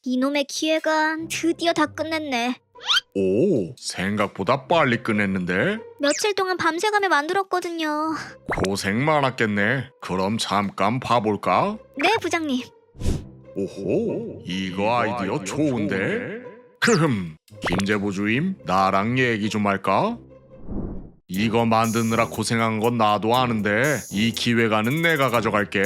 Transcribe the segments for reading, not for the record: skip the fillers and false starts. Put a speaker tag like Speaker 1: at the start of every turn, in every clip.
Speaker 1: 이놈의 기획안 드디어 다 끝냈네.
Speaker 2: 오, 생각보다 빨리 끝냈는데?
Speaker 1: 며칠 동안 밤새가며 만들었거든요.
Speaker 2: 고생 많았겠네. 그럼 잠깐 봐볼까?
Speaker 1: 네, 부장님.
Speaker 2: 오호, 이거 아이디어 좋은데? 김재보 주임, 나랑 얘기 좀 할까? 이거 만드느라 고생한 건 나도 아는데 이 기획안은 내가 가져갈게.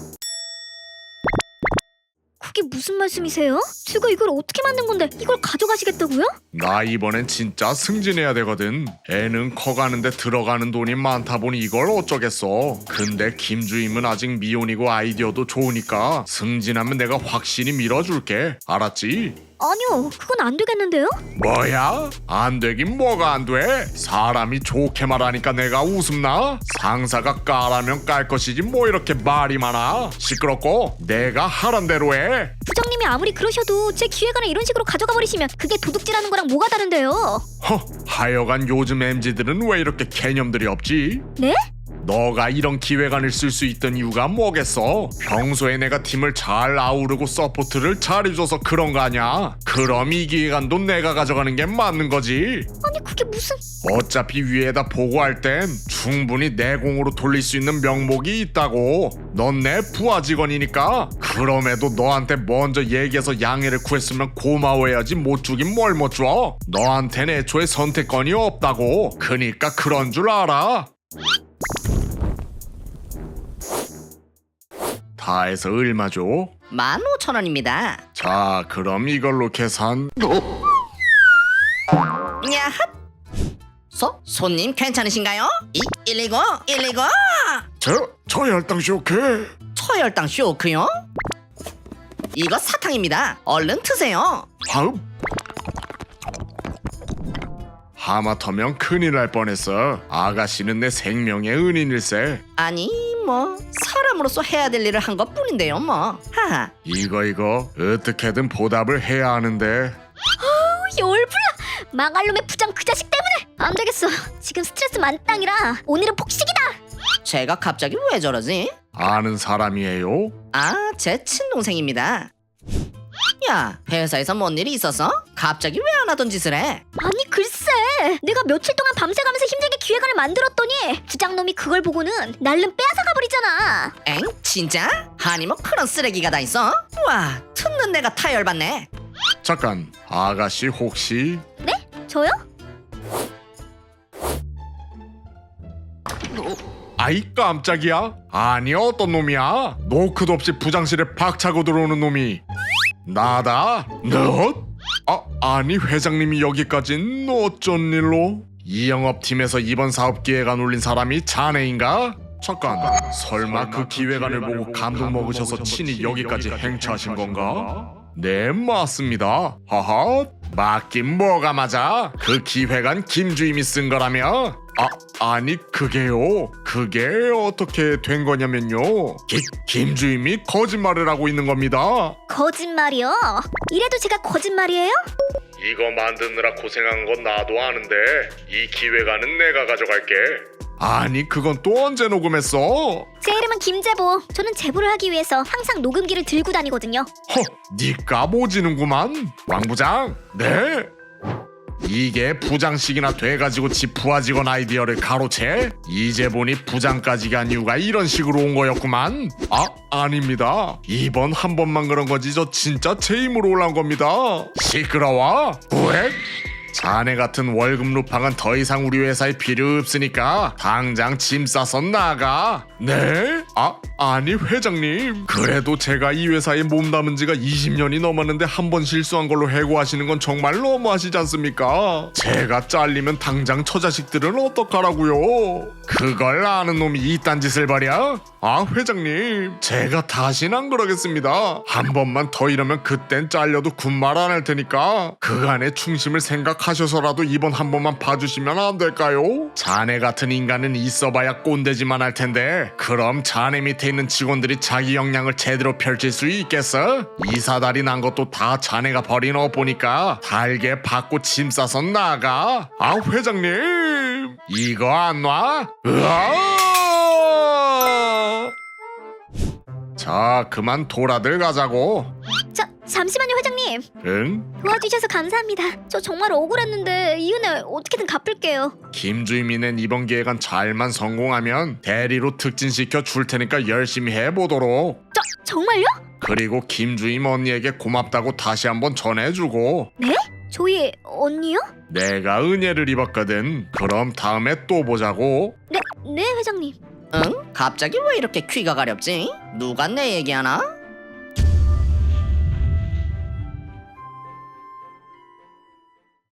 Speaker 1: 그게 무슨 말씀이세요? 제가 이걸 어떻게 만든 건데 이걸 가져가시겠다고요?
Speaker 2: 나 이번엔 진짜 승진해야 되거든. 애는 커가는데 들어가는 돈이 많다 보니 이걸 어쩌겠어. 근데 김주임은 아직 미혼이고 아이디어도 좋으니까 승진하면 내가 확실히 밀어줄게. 알았지?
Speaker 1: 아니요, 그건 안 되겠는데요?
Speaker 2: 뭐야? 안 되긴 뭐가 안 돼? 사람이 좋게 말하니까 내가 웃음나? 상사가 까라면 깔 것이지 뭐 이렇게 말이 많아. 시끄럽고 내가 하란 대로 해.
Speaker 1: 부장님이 아무리 그러셔도 제 기획안을 이런 식으로 가져가 버리시면 그게 도둑질하는 거랑 뭐가 다른데요?
Speaker 2: 하여간 요즘 MZ들은 왜 이렇게 개념들이 없지?
Speaker 1: 네?
Speaker 2: 너가 이런 기획안을 쓸 수 있던 이유가 뭐겠어? 평소에 내가 팀을 잘 아우르고 서포트를 잘해줘서 그런 거 아냐? 그럼 이 기획안도 내가 가져가는 게 맞는 거지.
Speaker 1: 아니 그게 무슨...
Speaker 2: 어차피 위에다 보고할 땐 충분히 내 공으로 돌릴 수 있는 명목이 있다고. 넌 내 부하 직원이니까. 그럼에도 너한테 먼저 얘기해서 양해를 구했으면 고마워해야지 못 주긴 뭘 못 줘. 너한텐 애초에 선택권이 없다고. 그니까 그런 줄 알아. 다 해서 얼마 줘?
Speaker 3: 15,000원입니다.
Speaker 2: 자, 그럼 이걸로 계산.
Speaker 3: 야핫! 손님 괜찮으신가요? 119! 119!
Speaker 2: 저 혈당 쇼크.
Speaker 3: 초혈당 쇼크요? 이거 사탕입니다. 얼른 드세요.
Speaker 2: 하읍. 하마터면 큰일 날 뻔했어. 아가씨는 내 생명의 은인일세.
Speaker 3: 아니 뭐 사람으로서 해야 될 일을 한 것뿐인데요 뭐. 하하.
Speaker 2: 이거 어떻게든 보답을 해야 하는데.
Speaker 1: 열불나! 망할 놈의 부장 그 자식 때문에! 안 되겠어. 지금 스트레스 만땅이라 오늘은 폭식이다!
Speaker 3: 제가 갑자기 왜 저러지?
Speaker 2: 아는 사람이에요?
Speaker 3: 아, 제 친동생입니다. 야, 회사에서 뭔 일이 있었어? 갑자기 왜 안 하던 짓을 해?
Speaker 1: 아니 글쎄, 내가 며칠 동안 밤새가면서 힘들게 기획안을 만들었더니 부장놈이 그걸 보고는 날름 빼앗아가 버리잖아.
Speaker 3: 엥? 진짜? 아니 뭐 그런 쓰레기가 다 있어? 와, 듣는 내가 타열받네.
Speaker 2: 잠깐, 아가씨 혹시?
Speaker 1: 네? 저요?
Speaker 2: 아이 깜짝이야. 아니 어떤 놈이야? 노크도 없이 부장실에 박차고 들어오는 놈이 나다? 너? 아니 회장님이 여기까진 어쩐 일로? 이 영업팀에서 이번 사업 기획안 올린 사람이 자네인가? 잠깐, 설마 그 기획안을 보고 감동 먹으셔서 친히 여기까지 행차하신 건가? 네, 맞습니다. 하하, 맞긴 뭐가 맞아? 그 기획안 김주임이 쓴 거라며? 아니 그게요. 그게 어떻게 된 거냐면요. 김주임이 거짓말을 하고 있는 겁니다.
Speaker 1: 거짓말이요? 이래도 제가 거짓말이에요?
Speaker 2: 이거 만드느라 고생한 건 나도 아는데 이 기획안은 내가 가져갈게. 아니 그건 또 언제 녹음했어?
Speaker 1: 제 이름은 김재보. 저는 제보를 하기 위해서 항상 녹음기를 들고 다니거든요.
Speaker 2: 니까 모지는구만. 왕 부장. 네? 이게 부장식이나 돼가지고 지 부하 직원 아이디어를 가로채? 이제 보니 부장까지 간 이유가 이런 식으로 온 거였구만. 아닙니다. 이번 한 번만 그런 거지 저 진짜 제 힘으로 올라온 겁니다. 시끄러워? 왜? 자네 같은 월급 루팡은 더 이상 우리 회사에 필요 없으니까 당장 짐 싸서 나가. 네? 아니 회장님, 그래도 제가 이 회사에 몸담은 지가 20년이 넘었는데 한 번 실수한 걸로 해고하시는 건 정말 너무하시지 않습니까? 제가 잘리면 당장 처자식들은 어떡하라고요? 그걸 아는 놈이 이딴 짓을 벌여? 회장님, 제가 다시는 안 그러겠습니다. 한 번만 더 이러면 그땐 잘려도 군말 안 할 테니까 그간의 충심을 생각하셔서라도 이번 한 번만 봐주시면 안 될까요? 자네 같은 인간은 있어봐야 꼰대지만 할 텐데 그럼 자네 밑에 있는 직원들이 자기 역량을 제대로 펼칠 수 있겠어? 이사달이 난 것도 다 자네가 버린 옷 보니까 달게 받고 짐 싸서 나가. 회장님, 이거 안 놔? 자, 그만 돌아들 가자고.
Speaker 1: 잠시만요 회장님.
Speaker 2: 응?
Speaker 1: 도와주셔서 감사합니다. 저 정말 억울했는데 이 은혜 어떻게든 갚을게요.
Speaker 2: 김주임이는 이번 기획안 잘만 성공하면 대리로 특진시켜 줄 테니까 열심히 해보도록.
Speaker 1: 정말요?
Speaker 2: 그리고 김주임 언니에게 고맙다고 다시 한번 전해주고.
Speaker 1: 조이 언니요?
Speaker 2: 내가 은혜를 입었거든. 그럼 다음에 또 보자고.
Speaker 1: 네 회장님.
Speaker 3: 응? 갑자기 왜 이렇게 귀가 가렵지? 누가 내 얘기하나?